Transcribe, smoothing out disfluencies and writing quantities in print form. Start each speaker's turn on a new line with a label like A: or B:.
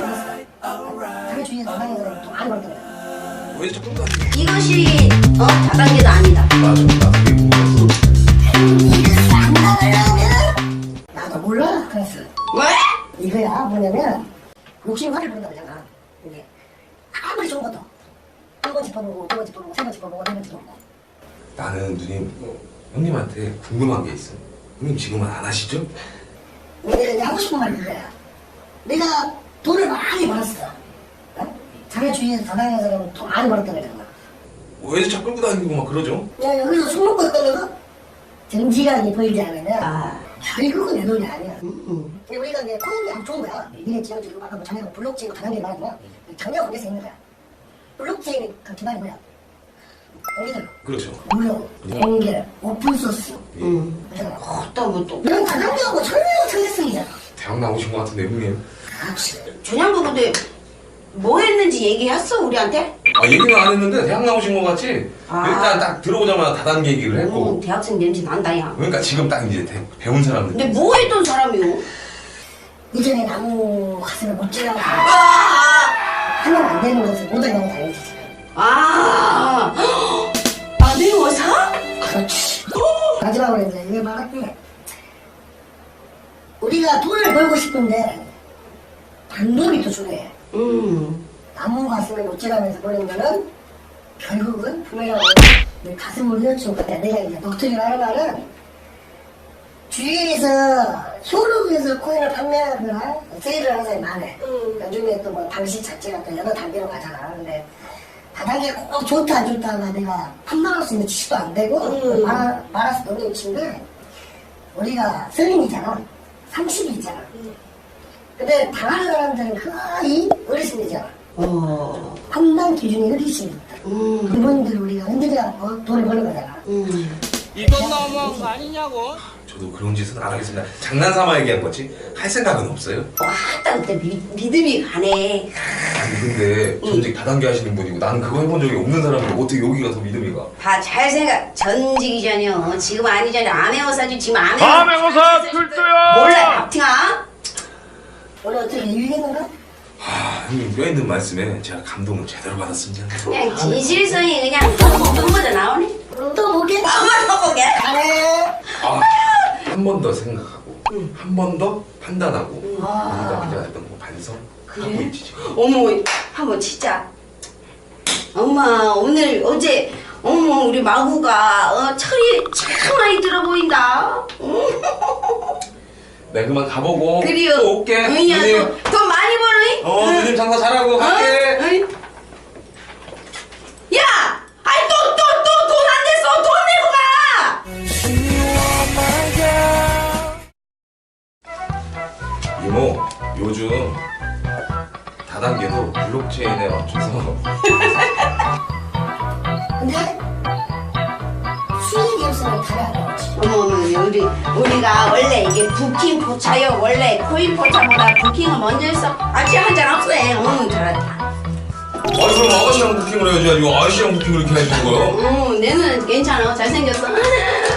A: 자기 주위에서 다방에서 좀 많이 벌더라고요.
B: 왜 자꾸 나?
C: 이것이 다단계도 아니다.
B: 맞아, 나 그게 궁금했어.
A: 나도 몰라. 그랬어.
C: 왜?
A: 이거야 뭐냐면 욕심 화를 부른다 그러잖아. 이게 아무리 좋은 것도 한 번 짚어보고 두 번 짚어보고 세 번 짚어보고 네 번 짚어보고.
B: 나는 누님, 형님한테 궁금한 게 있어. 형님 지금은 안 하시죠?
A: 내가 이제 하고 싶은 말이 이거야. 내가 돈을 많이 벌었어. 어? 자기 주위에서 다방에서 돈 많이 벌었다 그러잖아.
B: 왜 자꾸 끌고 다니고 막 그러죠?
A: 야 여기서 술 먹고 있다는 거 정직하게 보이지 않으면 결국은 내 돈이 아니야. 근데 우리가 이제 코인이 아주 좋은 거야. 미래지형적으로 아까 뭐 전에 블록체인 다단계 말하지만 전혀 관계성 있는 거야. 블록체인의 그 기반이 뭐야? 여기들
B: 그렇죠.
A: 무료, 연결, 오픈소스. 그잖아.
C: 또.
A: 이런 다단계하고 전혀 상대성이잖아.
B: 대학 나오신 것 같은데 형님.
A: 그렇지.
C: 준양부 근데 뭐 했는지 얘기했어 우리한테?
B: 아 얘기는 안 했는데 대학 나오신 것 같지? 일단 딱 들어오자마자 다단계 얘기를 했고.
C: 대학생 냄새 난다 야.
B: 그러니까 지금 딱 이제 배운 사람들.
C: 근데 뭐 했던 사람이요?
A: 이전에 나무 가슴을 못 찔러서 하면 안 되는 것을 모든 걸 다 알려주잖아.
C: 내 여사?
A: 그렇지. 마지막으로 이제 이걸 말할게. 우리가 돈을 벌고 싶은데 방법이 또 중요해. 나무 가슴을 못질하면서 보는 거는 결국은 분명히 내 가슴을 휘어치고 그때 내가 이제 녹투기를 하는 말은 주위에서 쇼룸에서 코인을 판매하거나 세일을 하는 사람이 많아. 요즘에 또 뭐 방식 자체가 또 여러 단계로 가잖아. 근데 다단계 꼭 좋다 안 좋다가 내가 판단할 수 있는 지식도 안 되고 말할 수 없는 위치인데 우리가 서른이잖아. 30이 있잖아. 근데 당하는 사람들은 거의 어르신이잖아. 판단 기준이 어르신이다. 그분들 우리가 흔들어야 돈을 버는 거잖아.
D: 이건 너무한 거 아니냐고?
B: 저도 그런 짓은 안 하겠습니다. 장난삼아 얘기한 거지. 할 생각은 없어요.
C: 왔다 그때 믿음이 가네.
B: 아니 근데 전직 다단계 하시는 분이고 나는 그거 해본 적이 없는 사람인데 어떻게 여기 가서 믿음이 가?
C: 봐 잘 생각. 전직이 전이요. 지금 아니잖아. 암행어사지 지금
D: 암행어사 출두요!
C: 몰라 박팅아.
A: 오늘 어떻게 유익했는가?
B: 형님 뼈있는 말씀에 제가 감동을 제대로 받았습니다.
C: 그냥 진실성이 그냥 눈보다 나오네.
A: 또 보게?
C: 엄마 또 보게.
A: 잘해.
B: 한 번 더 생각하고 한 번 더 판단하고 우리가 그냥 했던 거 반성하고 있지 지금.
C: 어머 한번 진짜. 엄마 오늘 어제 우리 마구가 철이 참 많이 들어 보인다.
B: 네 그만 가보고
C: 그래요.
B: 또 올게.
C: 누님
B: 누님.
C: 돈 많이 버는.
B: 누님 장사 잘하고 갈게.
C: 야, 아이 또 돈 안 됐어. 돈 내고 가.
B: 이모 요즘 다단계도 블록체인에 맞춰서
A: 근데 수익이 없으면 답이 안 나오지.
C: 어머 우리가 원래 이게 부킹 포차요. 원래 코인 포차보다 부킹을 먼저 했어. 아직 한잔 없어. 잘했다.
B: 그럼 아가씨랑 부킹을 해야지. 이거 아저씨랑 부킹을 이렇게 해주는 거야?
C: 내는 괜찮아. 잘생겼어.